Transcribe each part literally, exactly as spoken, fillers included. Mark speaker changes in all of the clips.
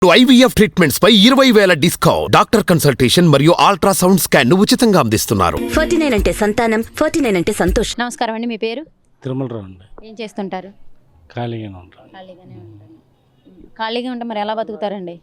Speaker 1: IVF treatments పై ఇరవై వేల డిస్కౌంట్. డాక్టర్ కన్సల్టేషన్ మరియు అల్ట్రాసౌండ్ స్కాన్ ను ఉచితంగా అందిస్తున్నారు.
Speaker 2: ఫార్టీ నైన్ అంటే సంతానం, ఫార్టీ నైన్ అంటే సంతోషం.
Speaker 3: నమస్కారం అండి, మీ పేరు?
Speaker 4: తిరుమలరావు అండి.
Speaker 3: ఏం చేస్తుంటారు?
Speaker 4: ఖాళీగానే ఉంటాను.
Speaker 3: ఖాళీగానే ఉంటాను. ఖాళీగా ఉంటే మరి ఎలా బతుకుతారండి?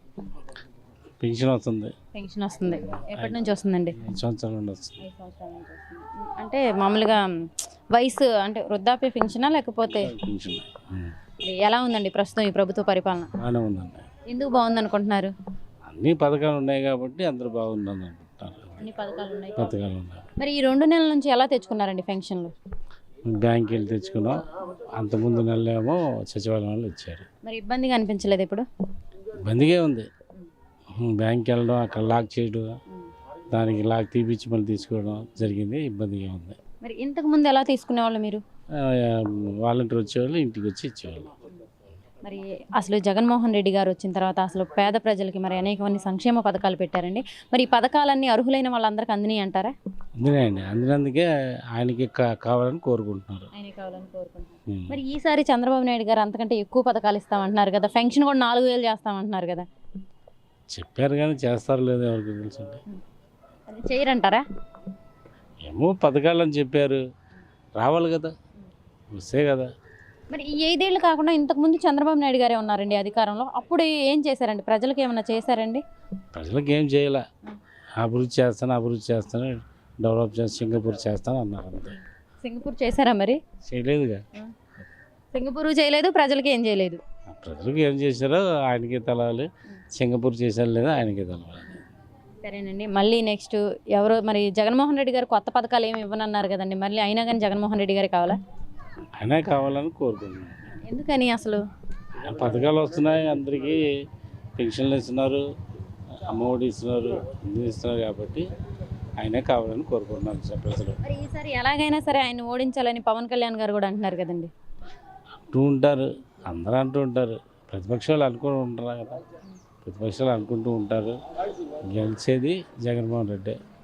Speaker 4: పెన్షన్ వస్తుంది.
Speaker 3: పెన్షన్ వస్తుంది. ఎప్పటి నుంచి వస్తుందండి?
Speaker 4: ఐదు సంవత్సరాల నుండి వస్తుంది.
Speaker 3: ఐదు సంవత్సరాల నుంచి వస్తుంది. అంటే మామూలుగా వయసు అంటే వృద్ధాప్య పెన్షనా లేకపోతే
Speaker 4: పెన్షన్ ఉం.
Speaker 3: ఎలా ఉందండి ప్రస్తుతం ఈ ప్రభుత్వ పరిపాలన?
Speaker 4: బాగానే ఉందండి.
Speaker 3: ఎందుకు బాగుంది అనుకుంటున్నారు?
Speaker 4: అన్ని పథకాలు ఉన్నాయి కాబట్టి అందరూ బాగుందని అనుకుంటారు.
Speaker 3: అన్ని పథకాలు ఉన్నాయి.
Speaker 4: పథకాలు ఉన్నాయి.
Speaker 3: మరి ఈ రెండు నెలల నుంచి ఎలా తెచ్చుకున్నారండి పెన్షన్లు?
Speaker 4: బ్యాంక్కి వెళ్ళి తెచ్చుకున్నాం. అంతకుముందు నెలలేమో సచివాలయం వాళ్ళు ఇచ్చారు.
Speaker 3: మరి ఇబ్బందిగా అనిపించలేదు ఇప్పుడు?
Speaker 4: ఇబ్బందిగా ఉంది. బ్యాంక్కి వెళ్ళడం, అక్కడ లాక్ చేయడం, దానికి లాక్ తీపిచ్చి మళ్ళీ తీసుకోవడం జరిగింది. ఇబ్బందిగా ఉంది.
Speaker 3: మరి ఇంతకు ముందు ఎలా తీసుకునేవాళ్ళు మీరు?
Speaker 4: వాలంటీర్ వచ్చేవాళ్ళు ఇంటికి వచ్చి ఇచ్చేవాళ్ళు.
Speaker 3: మరి అసలు జగన్మోహన్ రెడ్డి గారు వచ్చిన తర్వాత అసలు పేద ప్రజలకి మరి అనేకమంది సంక్షేమ పథకాలు పెట్టారండి. మరి ఈ పథకాలన్నీ అర్హులైన వాళ్ళందరికీ అందినాయి అంటారా?
Speaker 4: అందినాయండి. అందినందుకే ఆయనకి కావాలని కోరుకుంటున్నారు.
Speaker 3: ఆయన కావాలని కోరుకుంటున్నారు. మరి ఈసారి చంద్రబాబు నాయుడు గారు అంతకంటే ఎక్కువ పథకాలు ఇస్తామంటున్నారు కదా, పెన్షన్ కూడా నాలుగు వేలు చేస్తామంటున్నారు కదా.
Speaker 4: చెప్పారు కానీ చేస్తారు లేదు ఎవరికి తెలుసండి.
Speaker 3: అది చేయరంటారా?
Speaker 4: ఏమో పథకాలు అని చెప్పారు, రావాలి కదా, వస్తే కదా.
Speaker 3: మరి ఈ ఐదేళ్ళు కాకుండా ఇంతకుముందు చంద్రబాబు నాయుడు గారే ఉన్నారండి అధికారంలో. అప్పుడు ఏం చేశారండి? ప్రజలకు ఏమైనా చేశారండి?
Speaker 4: ప్రజలకు ఏం చేయాల, అభివృద్ధి చేస్తాను అభివృద్ధి చేస్తాను డెవలప్ చేస్తాను సింగపూర్ చేస్తాను అన్నారు అంతే.
Speaker 3: సింగపూర్ చేశారా? మరి
Speaker 4: చేయలేదుగా.
Speaker 3: సింగపూర్ చేయలేదు, ప్రజలకి ఏం చేయలేదు.
Speaker 4: ప్రజలకు ఏం చేశారో ఆయనకే తెలవాలి, సింగపూర్ చేశారు లేదా ఆయనకే తెలవాలి.
Speaker 3: సరేనండి, మళ్ళీ నెక్స్ట్ ఎవరు మరి జగన్మోహన్ రెడ్డి గారు కొత్త పథకాలు ఏమి ఇవ్వనన్నారు కదండి, మళ్ళీ అయినా కానీ జగన్మోహన్ రెడ్డి గారే కావాలా?
Speaker 4: ఆయనే కావాలని కోరుకుంటున్నాను.
Speaker 3: ఎందుకని? అసలు
Speaker 4: పథకాలు వస్తున్నాయి, అందరికీ పెన్షన్లు ఇస్తున్నారు, అమ్మఒడి ఇస్తున్నారు, అన్నీ ఇస్తున్నారు కాబట్టి ఆయనే కావాలని కోరుకుంటున్నాను ప్రజలు.
Speaker 3: మరి ఈసారి ఎలాగైనా సరే ఆయన ఓడించాలని పవన్ కళ్యాణ్ గారు కూడా అంటున్నారు కదండి.
Speaker 4: అంటూ ఉంటారు, అందరూ అంటూ ఉంటారు, ప్రతిపక్షాలు అనుకుంటూ ఉంటారు కదా, ప్రతిపక్షాలు అనుకుంటూ ఉంటారు. గెలిచేది జగన్మోహన్ రెడ్డి.